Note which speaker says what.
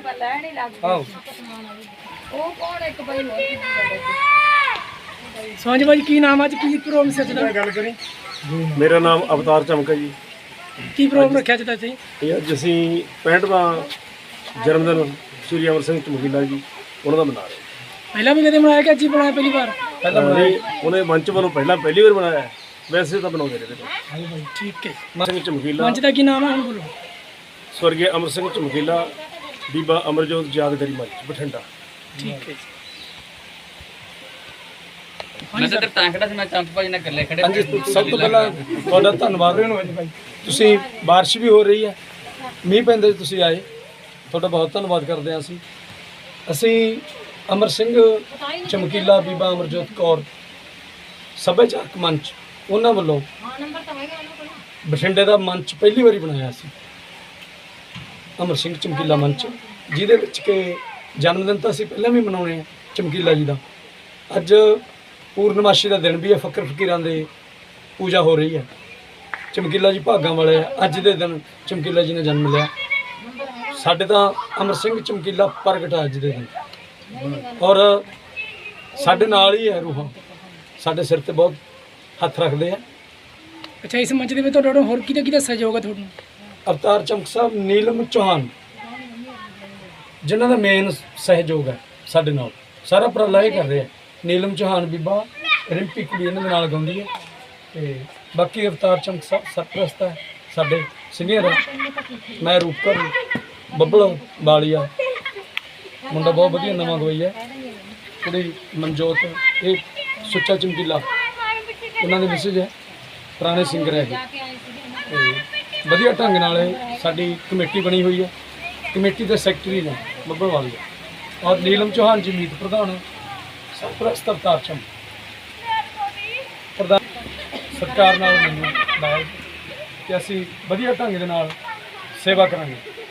Speaker 1: ਆਓ
Speaker 2: ਸਾਂਝ ਬਾਈ ਕੀ ਨਾਮ ਅੱਜ ਕੀ ਪ੍ਰੋਗਰਾਮ ਸੀ ਅੱਜ ਦਾ?
Speaker 1: ਗੱਲ ਕਰੀ।
Speaker 3: ਮੇਰਾ ਨਾਮ ਅਵਤਾਰ ਚਮਕਾ ਜੀ।
Speaker 2: ਕੀ ਪ੍ਰੋਗਰਾਮ ਰੱਖਿਆ ਅੱਜ ਦਾ ਤੁਸੀਂ?
Speaker 3: ਇਹ ਅੱਜ ਅਸੀਂ 65ਵਾਂ ਜਨਮ ਦਿਨ ਸ਼੍ਰੀ ਅਮਰ ਸਿੰਘ ਚਮਕੀਲਾ ਜੀ ਉਹਨਾਂ ਦਾ ਮਨਾ ਰਹੇ
Speaker 2: ਪਹਿਲਾਂ ਵੀ ਕਦੇ ਬਣਾਇਆ ਕਿ ਅੱਜ ਹੀ ਬਣਾਇਆ ਪਹਿਲੀ ਵਾਰ?
Speaker 3: ਪਹਿਲਾਂ ਉਹਨੇ ਮੰਚ ਵੱਲੋਂ ਪਹਿਲੀ ਵਾਰ ਬਣਾਇਆ ਹੈ। ਵੈਸੇ ਤਾਂ ਬਣਾਉਂਦੇ ਰਹੇ ਨੇ।
Speaker 2: ਠੀਕ ਹੈ।
Speaker 3: ਸਿੰਘ ਚਮਕੀਲਾ
Speaker 2: ਮੰਚ ਦਾ ਕੀ ਨਾਮ ਹੈ ਹੁਣ ਬੋਲੋ?
Speaker 3: ਸਵਰਗੀ ਅਮਰ ਸਿੰਘ ਚਮਕੀਲਾ ਬੀਬਾ ਅਮਰਜੋਤ ਯਾਦਗਾਰੀ ਮੰਚ ਬਠਿੰਡਾ।
Speaker 2: ਠੀਕ ਹੈ
Speaker 4: ਮੈਂ ਤਾਂ ਤਾਂ ਖੜਾ ਸੀ, ਮੈਂ ਚੰਪ ਭਾਜੀ ਨਾਲ ਇਕੱਲੇ ਖੜੇ।
Speaker 1: ਹਾਂਜੀ, ਸਭ ਤੋਂ ਪਹਿਲਾਂ ਤੁਹਾਡਾ ਧੰਨਵਾਦ ਭਾਈ। ਤੁਸੀਂ ਬਾਰਿਸ਼ ਵੀ ਹੋ ਰਹੀ ਹੈ, ਮੀਂਹ ਪੈਂਦੇ ਤੁਸੀਂ ਆਏ, ਤੁਹਾਡਾ ਬਹੁਤ ਧੰਨਵਾਦ ਕਰਦੇ ਹਾਂ ਅਸੀਂ ਅਮਰ ਸਿੰਘ ਚਮਕੀਲਾ ਬੀਬਾ ਅਮਰਜੋਤ ਕੌਰ ਸੱਭਿਆਚਾਰਕ ਮੰਚ ਉਹਨਾਂ ਵੱਲੋਂ ਬਠਿੰਡੇ ਦਾ ਮੰਚ ਪਹਿਲੀ ਵਾਰੀ ਬਣਾਇਆ ਸੀ, ਅਮਰ ਸਿੰਘ ਚਮਕੀਲਾ ਮੰਚ, ਜਿਹਦੇ ਵਿੱਚ ਕਿ ਜਨਮ ਦਿਨ ਤਾਂ ਅਸੀਂ ਪਹਿਲਾਂ ਵੀ ਮਨਾਉਣੇ ਆ ਚਮਕੀਲਾ ਜੀ ਦਾ। ਅੱਜ ਪੂਰਨਮਾਸ਼ੀ ਦਾ ਦਿਨ ਵੀ ਹੈ, ਫਕਰ ਫਕੀਰਾਂ ਦੇ ਪੂਜਾ ਹੋ ਰਹੀ ਹੈ। ਚਮਕੀਲਾ ਜੀ ਭਾਗਾਂ ਵਾਲੇ ਆ, ਅੱਜ ਦੇ ਦਿਨ ਚਮਕੀਲਾ ਜੀ ਨੇ ਜਨਮ ਲਿਆ। ਸਾਡੇ ਤਾਂ ਅਮਰ ਸਿੰਘ ਚਮਕੀਲਾ ਪ੍ਰਗਟ ਹੈ ਅੱਜ ਦੇ ਦਿਨ, ਔਰ ਸਾਡੇ ਨਾਲ ਹੀ ਹੈ ਰੂਹਾਂ, ਸਾਡੇ ਸਿਰ ਤੇ ਬਹੁਤ ਹੱਥ ਰੱਖਦੇ ਆ।
Speaker 2: ਅੱਛਾ, ਇਸ ਮੰਚ ਦੇ ਵਿੱਚ ਤੁਹਾਡਾ ਹੋਰ ਕਿਹਦਾ ਸਹਿਯੋਗ ਹੈ ਤੁਹਾਨੂੰ?
Speaker 1: ਅਵਤਾਰ ਚਮਕ ਸਾਹਿਬ, ਨੀਲਮ ਚੌਹਾਨ, ਜਿਨ੍ਹਾਂ ਦਾ ਮੇਨ ਸਹਿਯੋਗ ਹੈ ਸਾਡੇ ਨਾਲ, ਸਾਰਾ ਉਪਰਾਲਾ ਇਹ ਕਰ ਰਹੇ ਆ। ਨੀਲਮ ਚੌਹਾਨ ਬੀਬਾ, ਰਿੰਪੀ ਕੁੜੀ ਇਹਨਾਂ ਦੇ ਨਾਲ ਗਾਉਂਦੀ ਹੈ, ਤੇ ਬਾਕੀ ਅਵਤਾਰ ਚਮਕ ਸਾਹਿਬ ਸਰਪ੍ਰਸਤ ਹੈ, ਸਾਡੇ ਸੀਨੀਅਰ ਹੈ। ਮੈਂ ਰੂਪਕਰ, ਬੱਬਲ ਵਾਲੀਆ, ਮੁੰਡਾ ਬਹੁਤ ਵਧੀਆ ਨਵਾਂ ਗਵਾਈ ਹੈ, ਕੁੜੀ ਮਨਜੋਤ, ਇਹ ਸੁੱਚਾ ਚਮਕੀਲਾ ਉਹਨਾਂ ਦੇ ਮੈਸੇਜ ਹੈ, ਪੁਰਾਣੇ ਸਿੰਗਰ ਹੈਗੇ। ਤੇ ਵਧੀਆ ਢੰਗ ਨਾਲ ਸਾਡੀ ਕਮੇਟੀ ਬਣੀ ਹੋਈ ਹੈ। ਕਮੇਟੀ ਦੇ ਸੈਕਟਰੀ ਨੇ ਬੱਬਲ ਵਾਲੀਆ, ਔਰ ਨੀਲਮ ਚੌਹਾਨ ਜੀ ਮੀਤ ਪ੍ਰਧਾਨ, ਸਰਪ੍ਰਸਤ ਅਵਤਾਰ ਚਮਕ ਪ੍ਰਧਾਨ। ਸਰਕਾਰ ਨਾਲ ਮੈਨੂੰ ਲਾਇਆ ਕਿ ਅਸੀਂ ਵਧੀਆ ਢੰਗ ਦੇ ਨਾਲ ਸੇਵਾ ਕਰਾਂਗੇ।